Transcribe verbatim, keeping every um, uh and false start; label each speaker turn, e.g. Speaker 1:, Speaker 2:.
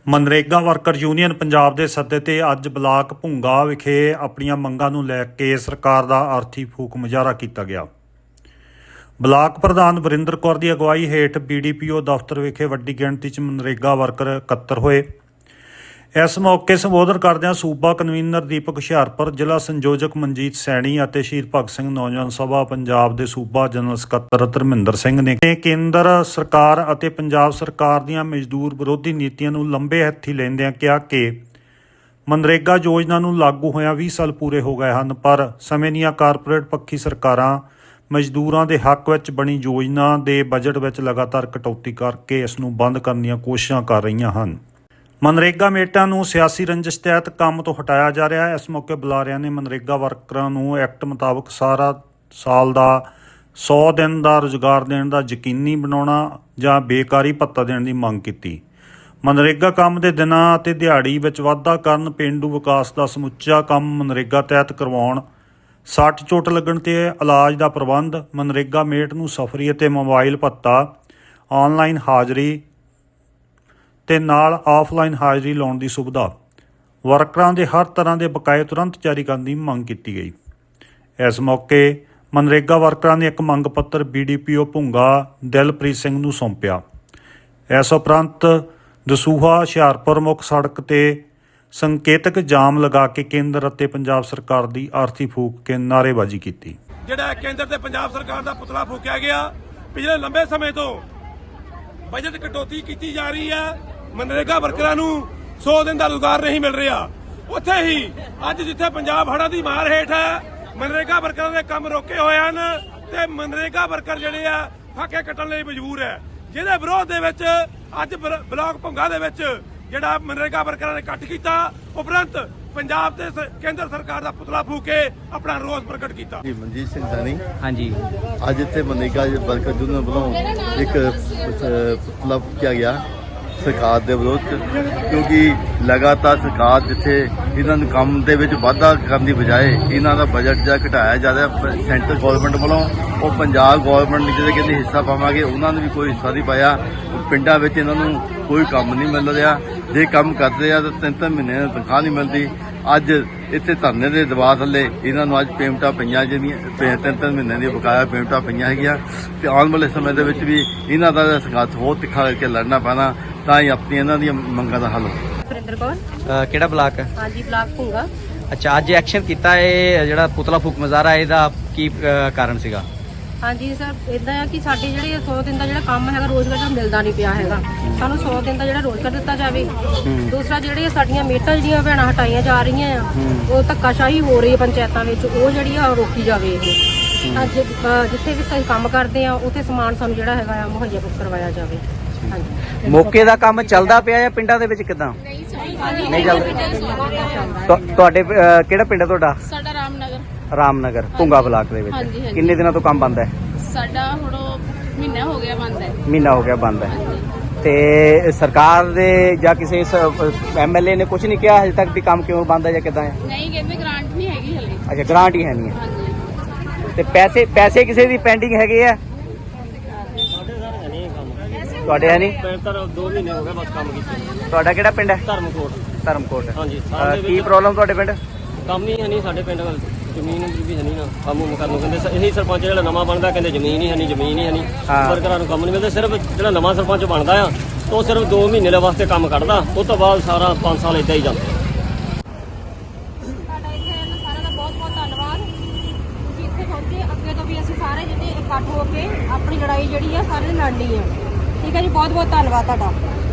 Speaker 1: MNREGA worker union Punjab के सद्दे ते अज ब्लाक भुंगा विखे अपनियां मंगां नूं लैके सरकार दा अर्थी फूक मुजाहरा किया गया। ब्लाक प्रधान वरिंदर कौर की अगवाई हेठ बी डी पी ओ दफ्तर विखे वड्डी गिणती च मनरेगा वर्कर इकत्तर होए। इस मौके संबोधन करदਿਆਂ सूबा कन्वीनर दीपक हुशियारपुर, जिला संयोजक मनजीत सैनी ਅਤੇ शहीद भगत सिंह नौजवान सभा पंजाब के सूबा जनरल ਸਕੱਤਰ ਧਰਮਿੰਦਰ ਸਿੰਘ ने केंद्र सरकार ਅਤੇ पंजाब सरकार ਦੀਆਂ मजदूर विरोधी नीतियां ਨੂੰ लंबे हत्थी ਲੈਂਦਿਆਂ ਕਿਹਾ कि मनरेगा योजना ਨੂੰ लागू ਹੋਇਆਂ ਵੀਹ ਸਾਲ पूरे हो गए हैं, पर ਸਮੇਂ ਦੀਆਂ कारपोरेट पक्षी सरकारां मजदूरों के हक ਵਿੱਚ बनी योजना के बजट ਵਿੱਚ लगातार कटौती करके इस ਨੂੰ बंद करने ਦੀਆਂ कोशिशां कर रही हैं। मनरेगा ਮੇਟਾਂ ਨੂੰ सियासी रंजिश तहत काम तो हटाया जा रहा है। इस मौके बुलारिਆਂ ने मनरेगा वर्कਰਾਂ ਨੂੰ एक्ट मुताबक सारा साल का सौ दिन का रोजगार देने का यकीनी बनाना ਜਾਂ बेकारी भत्ता देने की ਮੰਗ की। मनरेगा काम के दिनों ਅਤੇ ਦਿਹਾੜੀ ਵਿੱਚ ਵਾਧਾ ਕਰਨ, ਪੇਂਡੂ ਵਿਕਾਸ ਦਾ ਸਮੁੱਚਾ ਕੰਮ मनरेगा तहत ਕਰਵਾਉਣ, ਸੱਟ ਚੋਟ ਲੱਗਣ ਤੇ ਇਲਾਜ ਦਾ ਪ੍ਰਬੰਧ, मनरेगा ਮੇਟ ਨੂੰ ਸਫਰੀ ਅਤੇ ਮੋਬਾਈਲ ਭੱਤਾ, ਆਨਲਾਈਨ ਹਾਜ਼ਰੀ ਤੇ ਨਾਲ ਆਫਲਾਈਨ ਹਾਜ਼ਰੀ ਲਾਉਣ ਦੀ ਸੁਵਿਧਾ, ਵਰਕਰਾਂ ਦੇ ਹਰ ਤਰ੍ਹਾਂ ਦੇ ਬਕਾਏ ਤੁਰੰਤ ਜਾਰੀ ਕਰਨ ਦੀ ਮੰਗ ਕੀਤੀ ਗਈ। ਇਸ ਮੌਕੇ मनरेगा ਵਰਕਰਾਂ ਨੇ ਇੱਕ ਮੰਗ ਪੱਤਰ B D P O Bhunga Dilpreet Singh ਨੂੰ ਸੌਂਪਿਆ। ਇਸ ਉਪਰੰਤ ਦਸੂਹਾ ਹੁਸ਼ਿਆਰਪੁਰ ਮੁੱਖ ਸੜਕ ਤੇ ਸੰਕੇਤਕ ਜਾਮ ਲਗਾ ਕੇ ਕੇਂਦਰ ਅਤੇ ਪੰਜਾਬ ਸਰਕਾਰ ਦੀ ਆਰਥੀ ਫੂਕ ਕੇ ਨਾਅਰੇਬਾਜ਼ੀ ਕੀਤੀ।
Speaker 2: ਜਿਹੜਾ ਕੇਂਦਰ ਤੇ ਪੰਜਾਬ ਸਰਕਾਰ ਦਾ ਪੁਤਲਾ ਫੂਕਿਆ ਗਿਆ। ਪਿਛਲੇ ਲੰਬੇ ਸਮੇਂ ਤੋਂ ਬਜਟ ਕਟੌਤੀ ਕੀਤੀ ਜਾ ਰਹੀ ਹੈ। मनरेगा ਵਰਕਰਾਂ ਨੂੰ सौ दिन का रोजगार नहीं मिल रहा। उत्थे ही अज जिथे पंजाब हड़ां दी मार हेठ है, मनरेगा वर्कਰਾਂ ਦੇ ਕੰਮ ਰੋਕੇ ਹੋਏ ਹਨ ਤੇ मनरेगा वर्कर ਜਿਹੜੇ ਆ ਫਾਕੇ ਕੱਟਣ ਲਈ ਮਜਬੂਰ ਹੈ, ਜਿਹਦੇ ਵਿਰੋਧ ਦੇ ਵਿੱਚ ਅੱਜ ਬਲਾਕ ਭੁੰਗਾ ਦੇ ਵਿੱਚ ਜਿਹੜਾ मनरेगा वर्कਰਾਂ ਨੇ ਇਕੱਠ ਕੀਤਾ। ਉਪਰੰਤ पंजाब ਤੇ केंद्र सरकार ਦਾ ਪੁਤਲਾ ਫੂਕ ਕੇ ਆਪਣਾ ਰੋਸ ਪ੍ਰਗਟ ਕੀਤਾ।
Speaker 3: ਜੀ ਮਨਜੀਤ ਸਿੰਘ ਸੈਣੀ।
Speaker 4: ਹਾਂਜੀ,
Speaker 3: ਅੱਜ ਇੱਥੇ मनरेगा वर्कर यूनियन ਵੱਲੋਂ ਇੱਕ ਪੁਤਲਾ ਫੂਕਿਆ ਗਿਆ ਸਰਕਾਰ ਦੇ ਵਿਰੋਧ 'ਚ, ਕਿਉਂਕਿ ਲਗਾਤਾਰ ਸਰਕਾਰ ਜਿੱਥੇ ਇਹਨਾਂ ਨੂੰ ਕੰਮ ਦੇ ਵਿੱਚ ਵਾਧਾ ਕਰਨ ਦੀ ਬਜਾਏ ਇਹਨਾਂ ਦਾ ਬਜਟ ਜਿਹੜਾ ਘਟਾਇਆ ਜਾ ਰਿਹਾ ਸੈਂਟਰ ਗੌਰਮੈਂਟ ਵੱਲੋਂ, ਉਹ ਪੰਜਾਬ ਗੌਰਮੈਂਟ ਜਿਹੜੇ ਕਹਿੰਦੇ ਹਿੱਸਾ ਪਾਵਾਂਗੇ ਉਹਨਾਂ ਨੂੰ ਵੀ ਕੋਈ ਹਿੱਸਾ ਨਹੀਂ ਪਾਇਆ। ਪਿੰਡਾਂ ਵਿੱਚ ਇਹਨਾਂ ਨੂੰ ਕੋਈ ਕੰਮ ਨਹੀਂ ਮਿਲ ਰਿਹਾ, ਜੇ ਕੰਮ ਕਰਦੇ ਆ ਤਾਂ ਤਿੰਨ ਤਿੰਨ ਮਹੀਨੇ ਦੀ ਤਨਖਾਹ ਨਹੀਂ ਮਿਲਦੀ। ਅੱਜ ਇੱਥੇ ਧਰਨੇ ਦੇ ਦਬਾਅ ਥੱਲੇ ਇਹਨਾਂ ਨੂੰ ਅੱਜ ਪੇਮੈਂਟਾਂ ਪਈਆਂ, ਜਿਹੜੀਆਂ ਤਿੰਨ ਤਿੰਨ ਮਹੀਨੇ ਦੀਆਂ ਬਕਾਇਆ ਪੇਮੈਂਟਾਂ ਪਈਆਂ ਹੈਗੀਆਂ ਤੇ ਆਉਣ ਵਾਲੇ ਸਮੇਂ ਦੇ ਵਿੱਚ ਵੀ ਇਹਨਾਂ ਦਾ ਸੰਘਰਸ਼ ਹੋਰ ਤਿੱਖਾ ਕਰਕੇ ਲੜਨਾ ਪੈਣਾ ਤਾਂ ਹੀ ਆਪਣੀ ਇਹਨਾਂ ਦੀਆਂ ਮੰਗਾਂ ਦਾ ਹੱਲ।
Speaker 5: ਵਰਿੰਦਰ ਕੌਰ।
Speaker 4: ਕਿਹੜਾ ਬਲਾਕ ਹੈ?
Speaker 5: ਹਾਂਜੀ, ਬਲਾਕ ਭੁੰਗਾ।
Speaker 4: ਅੱਛਾ, ਅੱਜ ਐਕਸ਼ਨ ਕੀਤਾ ਇਹ ਜਿਹੜਾ ਪੁਤਲਾ ਫੂਕ ਮੁਜ਼ਾਹਰਾ, ਇਹਦਾ ਕੀ ਕਾਰਨ ਸੀਗਾ?
Speaker 5: ਹਾਂਜੀ ਸਰ, ਇਦਾਂ ਆ ਕਿ ਸਾਡੇ ਜਿਹੜੇ ਸੌ ਦਿਨ ਦਾ ਜਿਹੜਾ ਕੰਮ ਹੈਗਾ ਰੋਜ਼ਗਾਰ ਦਾ ਮਿਲਦਾ ਨਹੀਂ ਪਿਆ ਹੈਗਾ। ਸਾਨੂੰ ਸੌ ਦਿਨ ਦਾ ਜਿਹੜਾ ਰੋਜ਼ਗਾਰ ਦਿੱਤਾ ਜਾਵੇ। ਦੂਸਰਾ ਜਿਹੜੇ ਸਾਡੀਆਂ ਮੇਟਾਂ ਜਿਹੜੀਆਂ ਭੈਣਾਂ ਹਟਾਈਆਂ ਜਾ ਰਹੀਆਂ ਆ, ਉਹ ਧੱਕਾਸ਼ਾਹੀ ਹੋ ਰਹੀ ਹੈ ਪੰਚਾਇਤਾਂ ਵਿੱਚ, ਉਹ ਜਿਹੜੀ ਆ ਰੋਕੀ ਜਾਵੇ। ਇਹ ਅੱਜ ਜਿੱਥੇ ਵੀ ਅਸੀਂ ਕੰਮ ਕਰਦੇ ਆ ਉੱਥੇ ਸਮਾਨ ਸਾਨੂੰ ਜਿਹੜਾ ਹੈਗਾ ਆ ਮੁਹੱਈਆ ਕਰਵਾਇਆ ਜਾਵੇ। ਹਾਂਜੀ,
Speaker 4: ਮੌਕੇ ਦਾ ਕੰਮ ਚੱਲਦਾ ਪਿਆ ਜਾਂ ਪਿੰਡਾਂ ਦੇ ਵਿੱਚ ਕਿਦਾਂ ਨਹੀਂ ਚੱਲਦਾ? ਤੁਹਾਡੇ ਕਿਹੜਾ ਪਿੰਡ ਹੈ ਤੁਹਾਡਾ?
Speaker 6: ਸਾਡਾ ਰਾਮਨਗਰ।
Speaker 4: ਰਾਮਨਗਰ ਭੁੰਗਾ ਬਲਾਕ ਦੇ ਵਿੱਚ ਕਿੰਨੇ ਦਿਨਾਂ ਤੋਂ ਕੰਮ ਬੰਦ ਹੈ?
Speaker 6: ਸਾਡਾ ਹੁਣ ਮਹੀਨਾ ਹੋ ਗਿਆ ਬੰਦ ਹੈ।
Speaker 4: ਮਹੀਨਾ ਹੋ ਗਿਆ ਬੰਦ ਹੈ ਤੇ ਸਰਕਾਰ ਦੇ ਜਾਂ ਕਿਸੇ ਐਮ ਐਲ ਏ ਨੇ ਕੁਝ ਨਹੀਂ ਕਿਹਾ ਹਜੇ ਤੱਕ ਵੀ ਕੰਮ ਕਿਉਂ ਬੰਦ ਹੈ ਜਾਂ ਕਿਦਾਂ ਹੈ?
Speaker 6: ਨਹੀਂ, ਕਹਿੰਦੇ ਗ੍ਰਾਂਟ ਨਹੀਂ ਹੈਗੀ ਹਲੇ।
Speaker 4: ਅੱਛਾ, ਗ੍ਰਾਂਟ ਹੀ ਹੈ ਨਹੀਂ ਹੈ।
Speaker 6: ਹਾਂਜੀ।
Speaker 4: ਤੇ ਪੈਸੇ ਪੈਸੇ ਕਿਸੇ ਦੀ ਪੈਂਡਿੰਗ ਹੈਗੇ ਆ? ਤੁਹਾਡੇ ਹੈ ਨਹੀਂ?
Speaker 7: ਦੋ ਮਹੀਨੇ ਹੋ ਗਏ ਬਸ ਕੰਮ ਕੀਤੇ।
Speaker 4: ਤੁਹਾਡਾ ਕਿਹੜਾ ਪਿੰਡ ਹੈ?
Speaker 7: ਧਰਮਕੋਟ।
Speaker 4: ਧਰਮਕੋਟ।
Speaker 7: ਹਾਂਜੀ।
Speaker 4: ਕੀ ਪ੍ਰੋਬਲਮ ਤੁਹਾਡੇ ਪਿੰਡ?
Speaker 7: ਕੰਮ ਹੀ ਹੈ ਨਹੀਂ ਸਾਡੇ ਪਿੰਡ ਵੱਲ, ਜ਼ਮੀਨ ਵੀ ਹੈ ਨਹੀਂ ਨਾ ਕੰਮ ਉਮ ਕਰਨ ਨੂੰ ਕਹਿੰਦੇ। ਇਹੀ ਸਰਪੰਚ ਜਿਹੜਾ ਨਵਾਂ ਬਣਦਾ ਕਹਿੰਦੇ ਜ਼ਮੀਨ ਹੀ ਹੈ ਨਹੀਂ, ਜ਼ਮੀਨ ਹੀ ਹੈ ਨਹੀਂ, ਵਰਕਰਾਂ ਨੂੰ ਕੰਮ ਨਹੀਂ ਮਿਲਦਾ। ਸਿਰਫ ਜਿਹੜਾ ਨਵਾਂ ਸਰਪੰਚ ਬਣਦਾ ਆ ਉਹ ਸਿਰਫ ਦੋ ਮਹੀਨੇ ਦੇ ਵਾਸਤੇ ਕੰਮ ਕੱਢਦਾ, ਉਸ ਤੋਂ ਬਾਅਦ ਸਾਰਾ ਪੰਜ ਸਾਲ ਏਦਾਂ ਹੀ ਜਾਂਦਾ।
Speaker 5: ਸਾਡਾ ਇੱਥੇ ਸਾਰਿਆਂ ਦਾ ਬਹੁਤ ਬਹੁਤ ਧੰਨਵਾਦ। ਤੁਸੀਂ ਇੱਥੇ ਪਹੁੰਚੇ। ਅੱਗੇ ਤੋਂ ਵੀ ਅਸੀਂ ਸਾਰੇ ਜਿਹੜੇ ਇਕੱਠ ਹੋ ਕੇ ਆਪਣੀ ਲੜਾਈ ਜਿਹੜੀ ਆ ਸਾਰੇ ਲੜਨੀ ਆ। ਠੀਕ ਹੈ ਜੀ, ਬਹੁਤ ਬਹੁਤ ਧੰਨਵਾਦ ਤੁਹਾਡਾ।